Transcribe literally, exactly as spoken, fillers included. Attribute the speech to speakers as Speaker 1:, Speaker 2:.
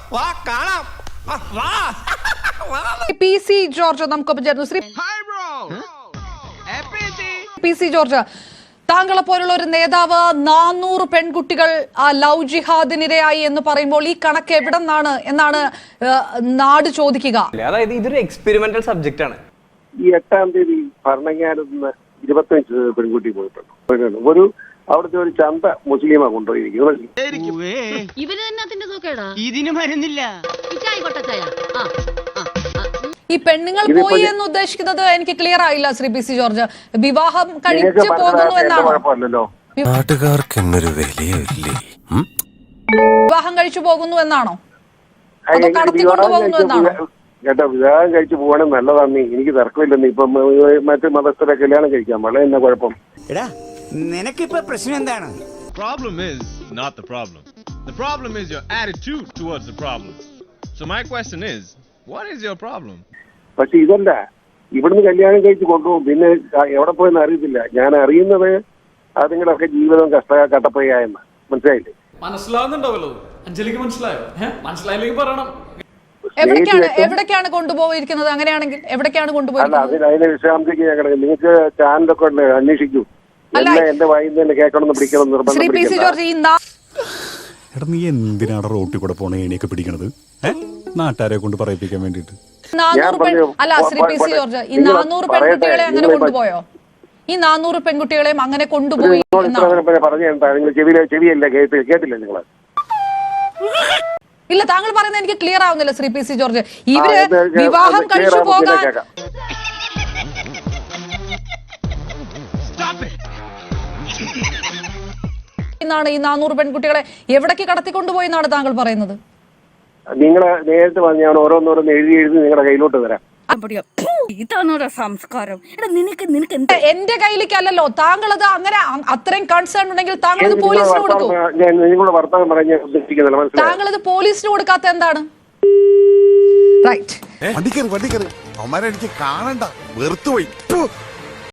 Speaker 1: വാ കാണാം. വാ.
Speaker 2: പി സി ജോർജ് നമുക്കൊപ്പം ചേർന്നു. ശ്രീ പി സി ജോർജ്, താങ്കളെ പോലുള്ള ഒരു നേതാവ് നാനൂറ് പെൺകുട്ടികൾ ലവ് ജിഹാദിനിരയായി എന്ന് പറയുമ്പോൾ ഈ കണക്ക് എവിടെ നിന്നാണ് എന്നാണ് നാട് ചോദിക്കുക.
Speaker 3: അതായത് ഇതൊരു എക്സ്പെരിമെന്റൽ സബ്ജക്റ്റ് ആണ്.
Speaker 4: ഈ എട്ടാം തീയതി ഭരണങ്ങാനത്ത് നിന്ന് ഇരുപത്തഞ്ച് പെൺകുട്ടി പോയിട്ടുണ്ട്. ഒരു അവിടുത്തെ ഒരു ചന്ത മുസ്ലിമാ കൊണ്ടുപോയിരിക്കുന്നത്.
Speaker 5: ഇതിന് മരുന്നില്ല.
Speaker 2: ഈ പെണ്ണുങ്ങൾ പോയി എന്ന് ഉദ്ദേശിക്കുന്നത് എനിക്ക് ക്ലിയർ ആയില്ല ശ്രീ പി സി ജോർജ്. വിവാഹം കഴിച്ചു പോകുന്നു എന്നാണോ? വിവാഹം കഴിച്ചു പോകുന്നു എന്നാണോ? അതോ കടത്തിക്കൊണ്ടു പോകുന്നു എന്നാണോ?
Speaker 4: കേട്ടോ, വിവാഹം കഴിച്ചു പോകണം നല്ലതാണ്, എനിക്ക് തർക്കമില്ലെന്ന്. ഇപ്പം മറ്റു മതസ്ഥരെ കല്യാണം കഴിക്കാം, വളരെ എന്നാ കുഴപ്പം?
Speaker 1: നിനക്കിപ്പോ പ്രശ്നം എന്താണ്?
Speaker 6: Problem is not the problem. The problem is your attitude towards the problem. So my question is, what is your problem?
Speaker 4: പക്ഷെ ഇതല്ല, ഇവിടുന്ന് കല്യാണം കഴിച്ച് കൊണ്ടുപോകും, പിന്നെ എവിടെ പോയെന്ന് അറിയത്തില്ല. ഞാൻ അറിയുന്നത് അതുങ്ങളൊക്കെ ജീവിതം കഷ്ട കട്ടപ്പയ്യായെന്ന്. മനസ്സിലായില്ലേ?
Speaker 7: മനസ്സിലാവുന്നുണ്ടാവല്ലോ അഞ്ജലിക്ക്. മനസ്സിലായോ? മനസ്സിലായില്ലെങ്കിൽ പറയണം.
Speaker 2: എവിടേക്കാണ് എവിടേക്കാണ് കൊണ്ടുപോയിരിക്കുന്നത്? അങ്ങനെയാണെങ്കിൽ എവിടേക്കാണ് കൊണ്ടുപോയിരിക്കുന്നത്?
Speaker 4: അല്ല, അതിന് വിശ്രാമത്തേക്ക് ഞാൻ കിടക്കും. നിങ്ങൾക്ക് ചാനലൊക്കെ ഉണ്ട്, അന്വേഷിക്കൂ. എല്ലാം എന്റെ വായിൽ തന്നെ കേൾക്കണം, പിടിക്കണം, നിർബന്ധം.
Speaker 8: എടാ, നീ എന്തിനാണ് റോട്ടിൽ കൂടെ പോണ ഏണിയൊക്കെ പിടിക്കണത്? നാട്ടുകാരെ കൊണ്ട് പറയിപ്പിക്കാൻ വേണ്ടിട്ട്.
Speaker 2: അല്ല ശ്രീ പി സി ജോർജ്, ഈ നാനൂറ് പെൺകുട്ടികളെ അങ്ങനെ കൊണ്ടുപോയോ? ഈ നാനൂറ് പെൺകുട്ടികളെയും അങ്ങനെ കൊണ്ടുപോയി
Speaker 4: പറഞ്ഞു. ചെവിയിലെ ചെവിയല്ല കേട്ട് കേട്ടില്ല നിങ്ങള്?
Speaker 2: ഇല്ല, താങ്കൾ പറയുന്നത് എനിക്ക് ക്ലിയർ ആവുന്നില്ല ശ്രീ പി സി ജോർജ്. ഇവര് വിവാഹം കഴിച്ചു പോകാൻ എന്നാണ് ഈ നാനൂറ് പെൺകുട്ടികളെ എവിടേക്ക് കടത്തിക്കൊണ്ടുപോയി എന്നാണ് താങ്കൾ പറയുന്നത്?
Speaker 4: നിങ്ങള് നേരിട്ട് പറഞ്ഞാൽ ഓരോന്നോരോന്ന് എഴുതി എഴുതി നിങ്ങളുടെ കയ്യിലോട്ട് തരാം.
Speaker 5: സംസ്കാരം
Speaker 2: എന്റെ കയ്യിലേക്കല്ലോ. താങ്കൾ അത് അങ്ങനെ അത്രയും കൺസേൺ ഉണ്ടെങ്കിൽ താങ്കൾ അത് പോലീസിന് കൊടുക്കും.
Speaker 4: നിങ്ങളുടെ വർത്തമാനം പറയാൻ ഞാൻ ഉദ്ദേശിക്കുന്നില്ല.
Speaker 2: താങ്കൾ അത് പോലീസിന് കൊടുക്കാത്ത എന്താണ്? റൈറ്റ്,
Speaker 8: വണ്ടിക്കറി വണ്ടിക്കറി അവന്മാരെ എനിക്ക് കാണണ്ട, വെറുത്തുപോയി.